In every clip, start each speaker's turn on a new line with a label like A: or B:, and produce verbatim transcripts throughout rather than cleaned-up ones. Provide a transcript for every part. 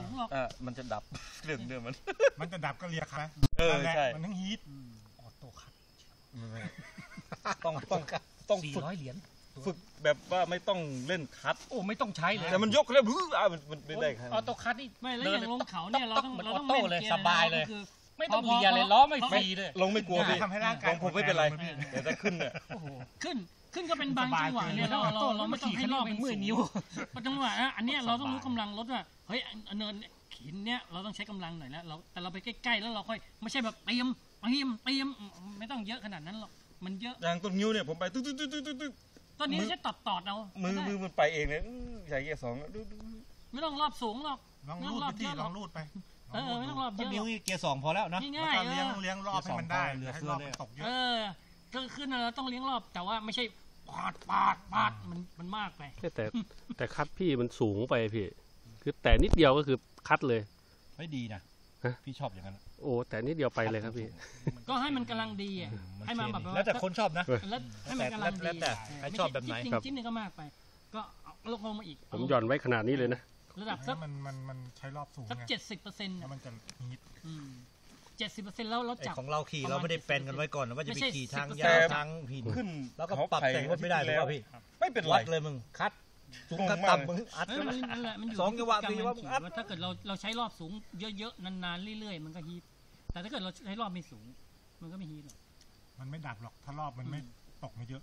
A: หรอก
B: อ่ามันจะดับเรื่องเดิมมัน
C: มันจะดับก็เรียกครับ
B: เออใช่
C: มันทั้งฮีท
A: ออโต้คัท
B: ต้องต้องต้อง
A: สี่ร้อยเหรียญ
B: ฝึกแบบว่าไม่ต้องเล่นคัท
A: โอ้ไม่ต้องใช้เลย
B: แต่มันยกแล้วบื้ออ่ะมันมันไม่ได้ครับ
A: ออโต้คัทนี่
D: ไม่แล้วอย่างลงเขาเนี่ยเราต้องเราต้อง
A: โต้เลยสบายเลยไม่ต้องเลียเลยล้อไม่ฟรีเลย
B: ลงไม่กลัวพี่
C: ทำให้ร่างกาย
B: ผมไม่เป็นไรแต่ถ้าขึ้นเนี่ย
D: โอ้โหขึ้นขึ้นก็เป็นบางจังหวะเนี่ยเราเราเราไม่ต้องให้รอบเป็นมือนิ้วเพราะจังหวะอันนี้เราต้องรู้กำลังรถว่าเฮ้ยเนินหินเนี่ยเราต้องใช้กำลังหน่อยแล้วเราแต่เราไปใกล้ๆแล้วเราค่อยไม่ใช่แบบเตรียมเตรียมเตรียมไม่ต้องเยอะขนาดนั้นหรอกมันเยอะ
B: อย่างต้นนิ้วเนี่ยผมไปตึ๊ดตึ๊ดตึ๊ดตึ๊ดตึ๊ด
D: ตอนนี้ใช้ตอดตอดเอา
B: มือมือมันไปเองเลยใส่เกียร์สอง
D: ไม่ต้องรอบสูงหรอก
C: ลองรูดไปที่ลองรูดไป
D: เออไม่ต้องรอบเยอะ
A: นิ้วเกียร์สองพอแล้วนะ
D: ง่ายๆ
C: เลี้ยงเลี้ยงรอบให้มันได้ให้รอบตกเยอะ
D: เออก็ขึ้นเราต้องเลี้ยงรอบแต่ว่าไม่ใช่ปาดปาดปาดมันมันมากไป
E: แต่แต่คัดพี่มันสูงไปพี่คือแต่นิดเดียวก็คือคัดเลย
A: ไม่ดีนะพี่ชอบอย่างนั้น
E: โอ้แต่นิดเดียวไปเลยครับพี่
D: ก็ให้มันกำลังดีอ่ะให้มันแบบ
A: แล้วแต่คนชอบนะ
D: แล้วให้มันกำลังดี
A: แล้วแต่ใครชอบแบบไหน
D: จริงจิ้มนี่ก็มากไปก็ลงลงมาอีก
E: ผมหย่อนไว้ขนาดนี้เลยนะ
D: ระดับสัก
C: มันมันมันใช้รอบสูง
D: สักเจ็ดสิบเปอร์เซ็นต์
C: แล้วมันจะฮิต
D: เจ็ดสิบเปอร์เซ็นต์แล้วเราจับ
A: ของเราขี่เราไม่ได้แปลนกันไว้ก่อนว่าจะไปขี่ทางยาวทางหิน
B: ขึ้น
A: แล้วก็ปรับแต่งรถไม่ได้ถูกป่ะพี่
B: ไม่เป็นไร
A: วัดเลยมึงคัดสูงคัดต่ำมึงอัด
D: นั่นแหละมันอยู่
A: สองจังหวะสี่ว่าอัด
D: ถ้าเกิดเราเราใช้รอบสูงเยอะๆนานๆเรื่อยๆมันก็ฮีทแต่ถ้าเกิดเราใช้รอบไม่สูงมันก็ไม่ฮีทหรอก
C: มันไม่ดับหรอกถ้ารอบมันไม่ตกไม่เยอะ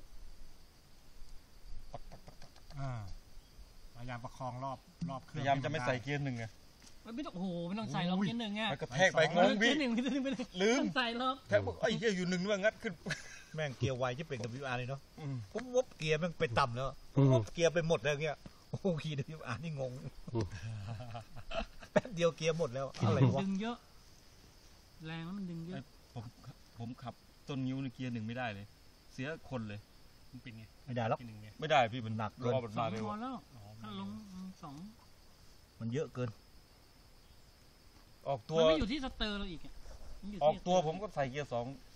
C: อ่าพยายามประคองรอบรอบเครื่อง
B: พยายามจะไม่ใส่เกียร์หนึ่งไง
D: ไม่ต้องโอ้โหไม่ต้องใส่รอบเกียร์หนึ่งไง
B: มันก็แทกไปงงพี่
D: ลืมใส่รอบ
B: แทกไอ้เกียร์อยู่หนึ่งด้วยงัดขึ้น
A: แม่งเกียร์ไวที่เป็น ดับเบิลยู อาร์ เลยเนาะปุ๊บปุ๊บเกียร์แม่งไปต่ำแล้วปุ๊บเกียร์ไปหมดแล้วเงี้ยโอ้ขี่ ดับเบิลยู อาร์ นี่งงแป๊บเดียวเกียร์หมดแล้วอะไรวะ
D: ดึงเยอะแรงแล้วมันดึงเยอะ
B: ผมผมขับต้นนิ้วในเกียร์หนึ่งไม่ได้เลยเสียคนเลย
D: มันเป็นไง
A: ไม่ได้แล้ว
B: ไม่ได้พี่มันหนักรอบมันมาเลย
D: พอแล้วถ้าลงสอง
A: มันเยอะเกิน
B: ออกตัว
D: มันไม่อยู่ที่สเตอร์เราอีก
B: ออกตัวผมก็ใส่เกียร์สอง